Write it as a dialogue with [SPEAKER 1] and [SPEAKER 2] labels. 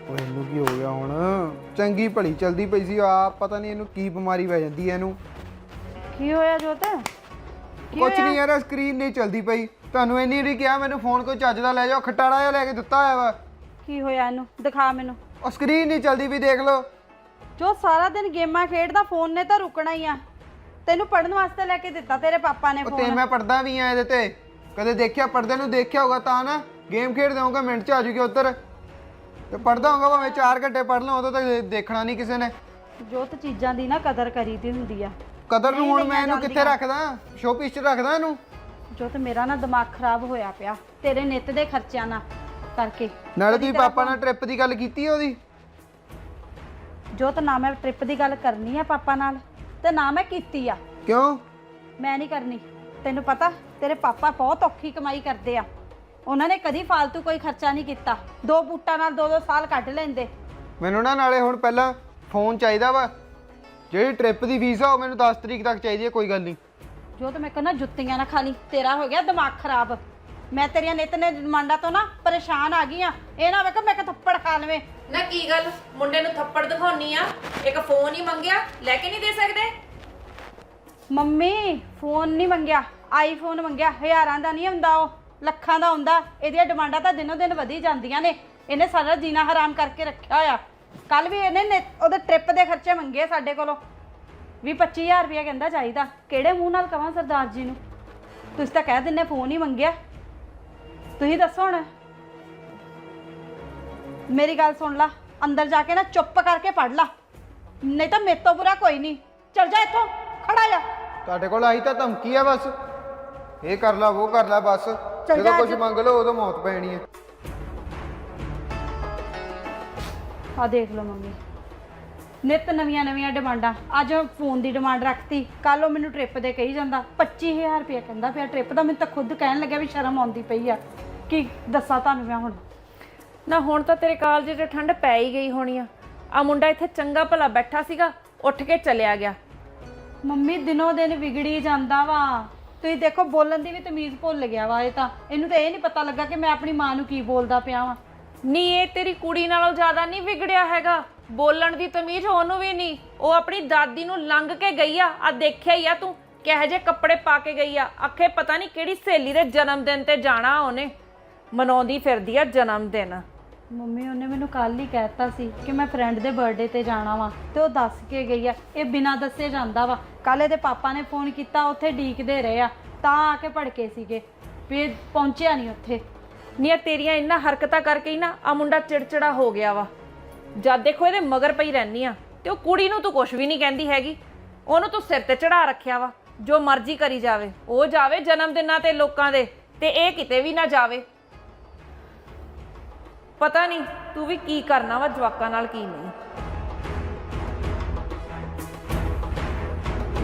[SPEAKER 1] ਇਹਨੂੰ ਕੀ ਹੋ ਗਿਆ ਹੁਣ? ਚੰਗੀ ਭਲੀ ਚਲਦੀ ਪਈ ਸੀ ਆ, ਪਤਾ ਨਹੀਂ ਇਹਨੂੰ ਕੀ ਬਿਮਾਰੀ ਪੈ ਜਾਂਦੀ ਹੈ ਇਹਨੂੰ।
[SPEAKER 2] ਕੀ ਹੋਇਆ ਜੋਤ?
[SPEAKER 1] ਕੁਛ ਨਹੀਂ ਯਾਰ, ਸਕਰੀਨ ਨਹੀਂ ਚਲਦੀ ਪਈ। ਤੁਹਾਨੂੰ ਇੰਨੀ ਵਾਰੀ ਕਿਹਾ ਮੈਨੂੰ ਫੋਨ ਕੋਈ ਚੱਜ ਦਾ ਲੈ ਜਾਓ, ਖਟਾੜਾ ਜਿਹਾ ਲੈ ਕੇ ਦਿੱਤਾ ਹੋਇਆ ਵਾ।
[SPEAKER 2] ਕੀ ਹੋਇਆ ਇਹਨੂੰ? ਦਿਖਾ ਮੈਨੂੰ।
[SPEAKER 1] ਉਹ ਸਕਰੀਨ ਨਹੀਂ ਚਲਦੀ ਵੀ, ਦੇਖ ਲਓ।
[SPEAKER 2] ਜੋ ਸਾਰਾ ਦਿਨ ਗੇਮਾਂ ਖੇਡਦਾ, ਫੋਨ ਨੇ ਤਾਂ ਰੁਕਣਾ ਹੀ ਆ। ਤੈਨੂੰ ਪੜਨ ਵਾਸਤੇ ਲੈ ਕੇ ਦਿੱਤਾ ਤੇਰੇ ਪਾਪਾ ਨੇ
[SPEAKER 1] ਤੇ
[SPEAKER 2] ਫੋਨ।
[SPEAKER 1] ਮੈਂ ਪੜਦਾ ਵੀ ਆ ਇਹਦੇ ਤੇ, ਕਦੇ ਦੇਖਿਆ ਪੜਦੇ ਨੂੰ ਦੇਖਿਆ ਹੋਗਾ ਤਾਂ ਨਾ। ਗੇਮ ਖੇਡਦੇ ਹੋਗਾ ਮਿੰਟ ਚ ਆ ਜੂਗੀ ਉੱਧਰ, ਤੇ ਪੜਦਾ ਹੋਗਾ ਭਾਵੇਂ 4 ਘੰਟੇ ਪੜ ਲਾਂ, ਉਦੋਂ ਤੱਕ ਦੇਖਣਾ ਨਹੀਂ ਕਿਸੇ ਨੇ।
[SPEAKER 2] ਜੋਤ ਚੀਜ਼ਾਂ ਦੀ ਨਾ ਕਦਰ ਕਰੀਦੀ ਹੁੰਦੀ ਆ।
[SPEAKER 1] ਕਦਰ ਨੂੰ ਹੁਣ ਮੈਂ ਇਹਨੂੰ ਕਿੱਥੇ ਰੱਖਦਾ? ਸ਼ੋਪੀਸ ਚ ਰੱਖਦਾ ਇਹਨੂੰ।
[SPEAKER 2] ਜੋਤ ਮੇਰਾ ਨਾ ਦਿਮਾਗ ਖਰਾਬ ਹੋਇਆ ਪਿਆ ਤੇਰੇ ਨਿੱਤ ਦੇ ਖਰਚਿਆਂ ਨਾਲ ਕਰਕੇ।
[SPEAKER 1] ਨਾਲੇ ਤੁਸੀਂ ਪਾਪਾ ਨਾਲ ਟ੍ਰਿਪ ਦੀ ਗੱਲ ਕੀਤੀ ਉਹਦੀ?
[SPEAKER 2] ਜੋਤ ਨਾ ਮੈਂ ਟ੍ਰਿਪ ਦੀ ਗੱਲ ਕਰਨੀ ਆ ਪਾਪਾ ਨਾਲ, ਤੇ ਨਾ ਮੈਂ ਕੀਤੀ ਆ।
[SPEAKER 1] ਕਿਉਂ?
[SPEAKER 2] ਮੈਂ ਨਹੀਂ ਕਰਨੀ। ਤੈਨੂੰ ਪਤਾ ਤੇਰੇ ਪਾਪਾ ਬਹੁਤ ਔਖੀ ਕਮਾਈ ਕਰਦੇ ਆ, ਉਹਨਾਂ ਨੇ ਕਦੀ ਫालतू ਕੋਈ ਖਰਚਾ ਨਹੀਂ ਕੀਤਾ। 2 ਬੂਟਾਂ ਨਾਲ 2-2 ਸਾਲ ਕੱਢ ਲੈਂਦੇ।
[SPEAKER 1] ਮੈਨੂੰ ਨਾ ਨਾਲੇ ਹੁਣ ਪਹਿਲਾਂ ਫੋਨ ਚਾਹੀਦਾ ਵਾ, ਜਿਹੜੀ ਟ੍ਰਿਪ ਦੀ ਫੀਸ ਆ ਉਹ ਮੈਨੂੰ 10 ਤਰੀਕ ਤੱਕ ਚਾਹੀਦੀ ਹੈ। ਕੋਈ ਗੱਲ ਨਹੀਂ।
[SPEAKER 2] ਜੋ ਤੇ ਮੈਂ ਕਹਿੰਦਾ ਜੁੱਤੀਆਂ ਨਾ ਖਾ ਲਈ, ਤੇਰਾ ਹੋ ਗਿਆ ਦਿਮਾਗ ਖਰਾਬ। ਮੈਂ ਤੇਰੀਆਂ ਨਿੱਤ ਨੇ ਡਿਮਾਂਡਾਂ ਤੋਂ ਨਾ ਪਰੇਸ਼ਾਨ ਆ ਗਈ ਆ। ਇਹ ਨਾ ਵੇਖ ਮੈਂ ਕਿ ਥੱਪੜ ਖਾ ਲਵੇਂ।
[SPEAKER 3] ਨਾ ਕੀ ਗੱਲ, ਮੁੰਡੇ ਨੂੰ ਥੱਪੜ ਦਿਖਾਉਣੀ ਆ? ਇੱਕ ਫੋਨ ਹੀ ਮੰਗਿਆ, ਲੈ ਕੇ ਨਹੀਂ ਦੇ ਸਕਦੇ?
[SPEAKER 2] ਮੰਮੀ ਫੋਨ ਨਹੀਂ ਮੰਗਿਆ, ਆਈਫੋਨ ਮੰਗਿਆ। ਹਜ਼ਾਰਾਂ ਦਾ ਨਹੀਂ ਹੁੰਦਾ, ਉਹ ਲੱਖਾਂ ਦਾ ਹੁੰਦਾ। ਇਹਦੀਆਂ ਡਿਮਾਂਡਾਂ ਤਾਂ ਦਿਨੋਂ ਦਿਨ ਵਧੀ ਜਾਂਦੀਆਂ ਨੇ। ਇਹਨੇ ਸਾਰਾ ਜੀਣਾ ਹਰਾਮ ਕਰਕੇ ਰੱਖਿਆ ਹੋਇਆ। ਕੱਲ ਵੀ ਇਹਨੇ ਉਹਦੇ ਟ੍ਰਿਪ ਦੇ ਖਰਚੇ ਮੰਗੇ ਸਾਡੇ ਕੋਲੋਂ 20-25 ਹਜ਼ਾਰ ਰੁਪਇਆ ਕਹਿੰਦਾ ਚਾਹੀਦਾ। ਕਿਹੜੇ ਮੂੰਹ ਨਾਲ ਕਵਾਂ ਸਰਦਾਰ ਜੀ ਨੂੰ? ਤੁਸੀਂ ਤਾਂ ਕਹਿ ਦਿੰਦੇ ਫੋਨ ਹੀ ਮੰਗਿਆ। ਤੁਸੀਂ ਦੱਸੋ ਹੁਣ। ਮੇਰੀ ਗੱਲ ਸੁਣ ਲਾ, ਅੰਦਰ ਜਾ ਕੇ ਨਾ ਚੁੱਪ ਕਰਕੇ ਪੜ ਲਾ, ਨਹੀਂ ਤਾਂ ਮੇਰੇ ਤੋਂ ਬੁਰਾ ਕੋਈ ਨਹੀਂ। ਚੱਲ ਜਾ ਇੱਥੋਂ, ਖੜਾ ਜਾ।
[SPEAKER 1] ਤੁਹਾਡੇ ਕੋਲ ਆਈ ਤਾਂ ਧਮਕੀ ਆ ਬਸ, ਇਹ ਕਰ ਲਾ ਉਹ ਕਰ ਲਾ ਬਸ। ਜਦੋਂ ਕੁਝ ਮੰਗ ਲਓ ਉਦੋਂ ਮੌਤ ਪੈਣੀ ਹੈ।
[SPEAKER 2] ਆ ਦੇਖ ਲਓ ਮੰਮੀ, ਨਿੱਤ ਨਵੀਆਂ ਡਿਮਾਂਡਾਂ। ਅੱਜ ਫੋਨ ਦੀ ਡਿਮਾਂਡ ਰੱਖਤੀ, ਕੱਲ ਉਹ ਮੈਨੂੰ ਟ੍ਰਿਪ ਦੇ ਕਹੀ ਜਾਂਦਾ 25000 ਰੁਪਇਆ ਕਹਿੰਦਾ ਪਿਆ ਟ੍ਰਿਪ ਦਾ। ਮੈਨੂੰ ਤਾਂ ਖੁਦ ਕਹਿਣ ਲੱਗਿਆ ਵੀ ਸ਼ਰਮ ਆਉਂਦੀ ਪਈ ਆ। ਕੀ ਦੱਸਾਂ ਤੁਹਾਨੂੰ ਮੈਂ ਹੁਣ?
[SPEAKER 3] ਨਾ ਹੁਣ ਤਾਂ ਤੇਰੇ ਕਾਲਜ 'ਚ ਠੰਡ ਪੈ ਹੀ ਗਈ ਹੋਣੀ ਆ ਮੁੰਡਾ ਇੱਥੇ ਚੰਗਾ ਭਲਾ ਬੈਠਾ ਸੀਗਾ, ਉੱਠ ਕੇ ਚਲਿਆ ਗਿਆ।
[SPEAKER 2] ਮੰਮੀ ਦਿਨੋਂ ਦਿਨ ਵਿਗੜੀ ਜਾਂਦਾ ਵਾ। ਤੁਸੀਂ ਦੇਖੋ ਬੋਲਣ ਦੀ ਵੀ ਤਮੀਜ਼ ਭੁੱਲ ਗਿਆ ਵਾ। ਇਹ ਤਾਂ ਇਹਨੂੰ ਤਾਂ ਇਹ ਨਹੀਂ ਪਤਾ ਲੱਗਾ ਕਿ ਮੈਂ ਆਪਣੀ ਮਾਂ ਨੂੰ ਕੀ ਬੋਲਦਾ ਪਿਆ ਵਾਂ।
[SPEAKER 3] ਨਹੀਂ, ਇਹ ਤੇਰੀ ਕੁੜੀ ਨਾਲੋਂ ਜ਼ਿਆਦਾ ਨਹੀਂ ਵਿਗੜਿਆ ਹੈਗਾ। ਬੋਲਣ ਦੀ ਤਮੀਜ਼ ਉਹਨੂੰ ਵੀ ਨਹੀਂ। ਉਹ ਆਪਣੀ ਦਾਦੀ ਨੂੰ ਲੰਘ ਕੇ ਗਈ ਆ ਦੇਖਿਆ ਹੀ ਆ ਤੂੰ ਕਿਹੋ ਜਿਹੇ ਕੱਪੜੇ ਪਾ ਕੇ ਗਈ ਆ। ਆਖੇ ਪਤਾ ਨਹੀਂ ਕਿਹੜੀ ਸਹੇਲੀ ਦੇ ਜਨਮ ਦਿਨ ਤੇ ਜਾਣਾ, ਉਹਨੇ ਮਨਾਉਂਦੀ ਫਿਰਦੀ ਆ ਜਨਮ ਦਿਨ।
[SPEAKER 2] ਮੰਮੀ ਉਹਨੇ ਮੈਨੂੰ ਕੱਲ ਹੀ ਕਹਿਤਾ ਸੀ ਕਿ ਮੈਂ ਫਰੈਂਡ ਦੇ ਬਰਥਡੇ ਤੇ ਜਾਣਾ ਵਾ, ਤੇ ਉਹ ਦੱਸ ਕੇ ਗਈ ਆ। ਇਹ ਬਿਨਾਂ ਦੱਸੇ ਜਾਂਦਾ ਵਾ। ਕੱਲ ਇਹਦੇ ਪਾਪਾ ਨੇ ਫੋਨ ਕੀਤਾ, ਉੱਥੇ ਡੀਕਦੇ ਰਹੇ ਆ, ਤਾਂ ਆ ਕੇ ਭੜਕੇ ਸੀਗੇ ਵੀ ਪਹੁੰਚਿਆ ਨਹੀਂ ਉੱਥੇ।
[SPEAKER 3] ਨਹੀਂ, ਤੇਰੀਆਂ ਇਹਨਾਂ ਹਰਕਤਾਂ ਕਰਕੇ ਹੀ ਨਾ ਆ ਮੁੰਡਾ ਚਿੜਚਿੜਾ ਹੋ ਗਿਆ ਵਾ। ਜਦ ਦੇਖੋ ਇਹਦੇ ਮਗਰ ਪਈ ਰਹਿਨੀ ਆ, ਤੇ ਉਹ ਕੁੜੀ ਨੂੰ ਤੂੰ ਕੁਝ ਵੀ ਨਹੀਂ ਕਹਿੰਦੀ ਹੈਗੀ। ਉਹਨੂੰ ਤੂੰ ਸਿਰ ਤੇ ਚੜਾ ਰੱਖਿਆ ਵਾ, ਜੋ ਮਰਜ਼ੀ ਕਰੀ ਜਾਵੇ। ਉਹ ਜਾਵੇ ਜਨਮ ਦਿਨਾਂ ਤੇ ਲੋਕਾਂ ਦੇ, ਤੇ ਇਹ ਕਿਤੇ ਵੀ ਨਾ ਜਾਵੇ। ਪਤਾ ਨਹੀਂ ਤੂੰ ਵੀ ਕੀ ਕਰਨਾ ਵਾ ਜਵਾਕਾਂ ਨਾਲ ਕੀ ਨਹੀਂ।